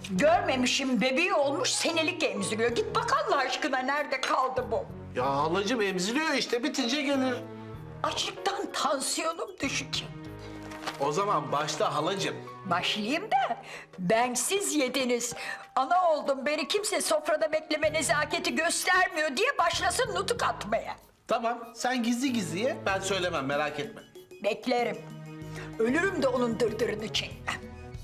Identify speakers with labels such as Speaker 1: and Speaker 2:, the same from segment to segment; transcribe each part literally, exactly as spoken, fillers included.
Speaker 1: Görmemişim, bebeği olmuş, senelik emziriyor. Git bak Allah aşkına, nerede kaldı bu?
Speaker 2: Ya halacığım emziriyor işte, bitince gelir.
Speaker 1: Açlıktan tansiyonum düşük.
Speaker 2: O zaman başla halacığım.
Speaker 1: Başlayayım da bensiz yediniz. Ana oldum, beni kimse sofrada bekleme nezaketi göstermiyor diye başlasın nutuk atmaya.
Speaker 2: Tamam, sen gizli gizli ye, ben söylemem, merak etme.
Speaker 1: Beklerim. Ölürüm de onun dırdırını çekmem.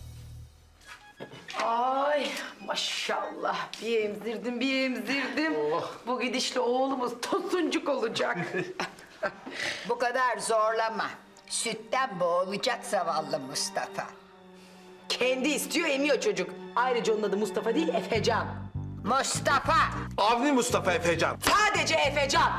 Speaker 3: Ay maşallah bir emzirdim bir emzirdim.
Speaker 2: Oh.
Speaker 3: Bu gidişle oğlumuz tosuncuk olacak.
Speaker 1: Bu kadar zorlama. Sütten boğulacak zavallı Mustafa.
Speaker 3: Kendi istiyor emiyor çocuk. Ayrıca onun adı Mustafa değil Efecan.
Speaker 1: Mustafa!
Speaker 2: Avni Mustafa Efecan.
Speaker 3: Sadece Efecan.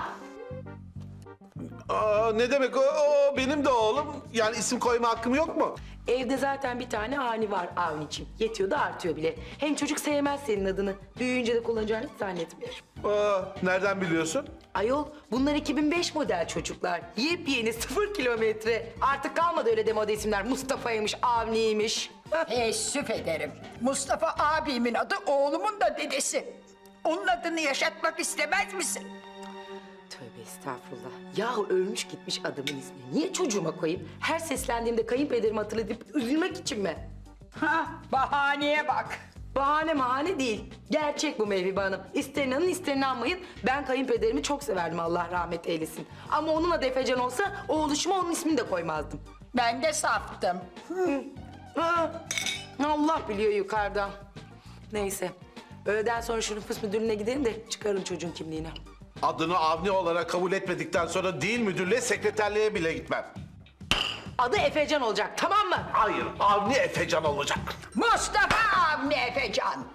Speaker 2: Aa, ne demek o, o benim de oğlum. Yani isim koyma hakkım yok mu?
Speaker 3: Evde zaten bir tane Avni var Avni'cim. Yetiyor da artıyor bile. Hem çocuk sevmez senin adını. Büyüyünce de kullanacağını hiç zannetmiyorum.
Speaker 2: Aa, nereden biliyorsun?
Speaker 3: Ayol bunlar iki bin beş model çocuklar. Yepyeni sıfır kilometre. Artık kalmadı öyle demode isimler. Mustafa'ymış, Avni'ymiş.
Speaker 1: Teessüf ederim. Mustafa abimin adı, oğlumun da dedesi. Onun adını yaşatmak istemez misin?
Speaker 3: Tövbe estağfurullah. Yahu ölmüş gitmiş adamın ismini. Niye çocuğuma koyayım? Her seslendiğimde kayınpederimi hatırlatıp üzülmek için mi?
Speaker 1: Ha, bahaneye bak.
Speaker 3: Bahane mahane değil. Gerçek bu Mevhibe Hanım. İster inanın ister inanmayın. Ben kayınpederimi çok severdim Allah rahmet eylesin. Ama onun adı Efecan olsa oğluşuma onun ismini de koymazdım.
Speaker 1: Ben de saftım.
Speaker 3: Ha, Allah biliyor yukarıdan. Neyse. Öğleden sonra şu nüfus müdürlüğüne gidelim de çıkarın çocuğun kimliğini.
Speaker 2: Adını Avni olarak kabul etmedikten sonra değil müdürlüğe, sekreterliğe bile gitmem.
Speaker 3: Adı Efecan olacak tamam mı?
Speaker 2: Hayır, Avni Efecan olacak.
Speaker 1: Mustafa Avni Efecan.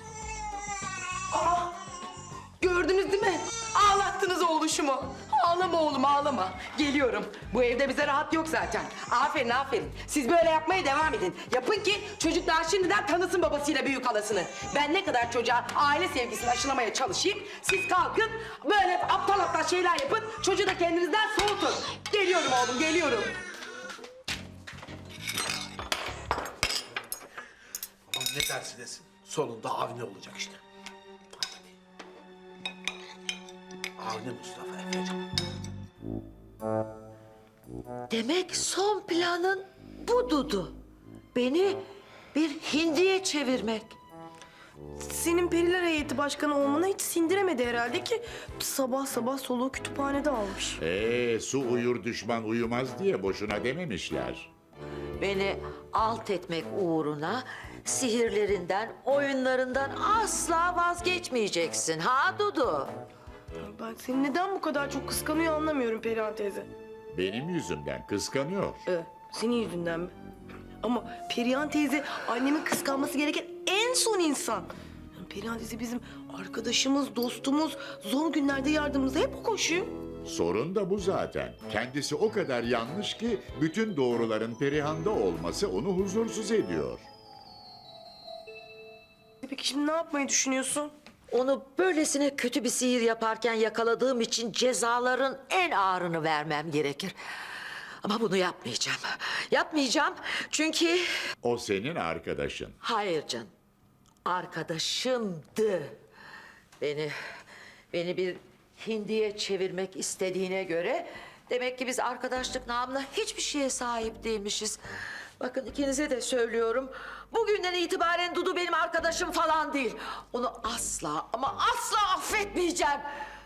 Speaker 3: Gördünüz değil mi? Ağlattınız oğluşumu. Ağlama oğlum ağlama. Geliyorum. Bu evde bize rahat yok zaten. Aferin aferin. Siz böyle yapmaya devam edin. Yapın ki çocuk daha şimdiden tanısın babasıyla büyük halasını. Ben ne kadar çocuğa aile sevgisini aşılamaya çalışayım. Siz kalkın böyle aptal aptal şeyler yapın. Çocuğu da kendinizden soğutun. Geliyorum oğlum geliyorum.
Speaker 2: Ama ne dersi desin, sonunda Avni olacak işte. Avni Mustafa Efecan.
Speaker 4: Demek son planın bu Dudu. Beni bir hindiye çevirmek.
Speaker 5: Senin Periler Heyeti Başkanı olmana hiç sindiremedi herhalde ki sabah sabah soluğu kütüphanede almış.
Speaker 6: Ee, su uyur düşman uyumaz diye boşuna dememişler.
Speaker 4: Beni alt etmek uğruna sihirlerinden, oyunlarından asla vazgeçmeyeceksin. Ha Dudu?
Speaker 5: Ben seni neden bu kadar çok kıskanıyor anlamıyorum Perihan teyze.
Speaker 6: Benim yüzümden kıskanıyor.
Speaker 5: Ee, senin yüzünden mi? Ama Perihan teyze annemin kıskanması gereken en son insan. Yani Perihan teyze bizim arkadaşımız, dostumuz, zor günlerde yardımımıza hep o koşuyor.
Speaker 6: Sorun da bu zaten. Kendisi o kadar yanlış ki bütün doğruların Perihan'da olması onu huzursuz ediyor.
Speaker 5: Peki şimdi ne yapmayı düşünüyorsun?
Speaker 4: Onu böylesine kötü bir sihir yaparken yakaladığım için cezaların en ağırını vermem gerekir. Ama bunu yapmayacağım. Yapmayacağım çünkü...
Speaker 6: O senin arkadaşın.
Speaker 4: Hayır canım. Arkadaşımdı. Beni, beni bir hindiye çevirmek istediğine göre... Demek ki biz arkadaşlık namına hiçbir şeye sahip değilmişiz. Bakın ikinize de söylüyorum. Bugünden itibaren Dudu benim arkadaşım falan değil. Onu asla ama asla affetmeyeceğim.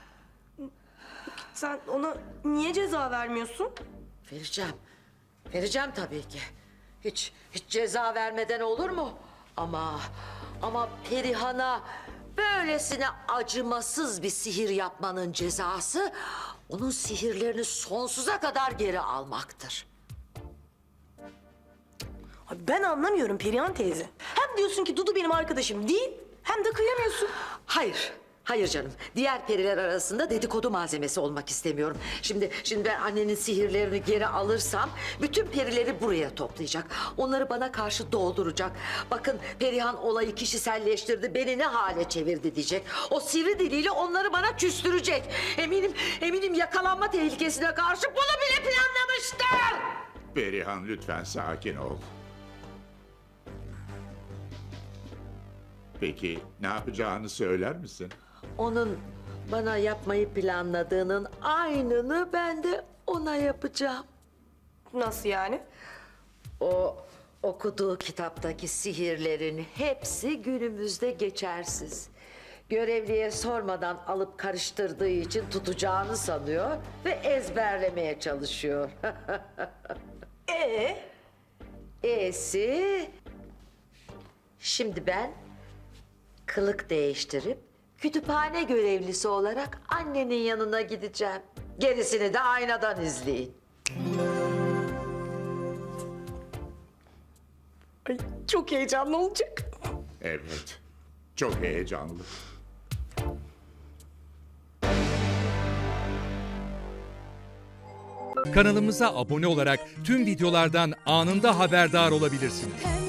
Speaker 5: Sen ona niye ceza vermiyorsun?
Speaker 4: Vereceğim. Vereceğim tabii ki. Hiç, hiç ceza vermeden olur mu? Ama, ama Perihan'a böylesine acımasız bir sihir yapmanın cezası... ...onun sihirlerini sonsuza kadar geri almaktır.
Speaker 5: Abi ben anlamıyorum Perihan teyze. Hem diyorsun ki Dudu benim arkadaşım değil, hem de kıyamıyorsun.
Speaker 4: Hayır, hayır canım. Diğer periler arasında dedikodu malzemesi olmak istemiyorum. Şimdi, şimdi ben annenin sihirlerini geri alırsam... ...bütün perileri buraya toplayacak. Onları bana karşı dolduracak. Bakın Perihan olayı kişiselleştirdi, beni ne hale çevirdi diyecek. O sivri diliyle onları bana küstürecek. Eminim, eminim yakalanma tehlikesine karşı bunu bile planlamıştır.
Speaker 6: Perihan lütfen sakin ol. peki? Ne yapacağını söyler misin?
Speaker 4: Onun bana yapmayı planladığının aynını ben de ona yapacağım.
Speaker 5: Nasıl yani?
Speaker 4: O okuduğu kitaptaki sihirlerin hepsi günümüzde geçersiz. Görevliye sormadan alıp karıştırdığı için tutacağını sanıyor ve ezberlemeye çalışıyor.
Speaker 5: Ee?
Speaker 4: E'si... Şimdi ben kılık değiştirip kütüphane görevlisi olarak annenin yanına gideceğim. Gerisini de aynadan izleyin.
Speaker 5: Ay, çok heyecanlı olacak.
Speaker 6: Evet, çok heyecanlı.
Speaker 7: Kanalımıza abone olarak tüm videolardan anında haberdar olabilirsiniz.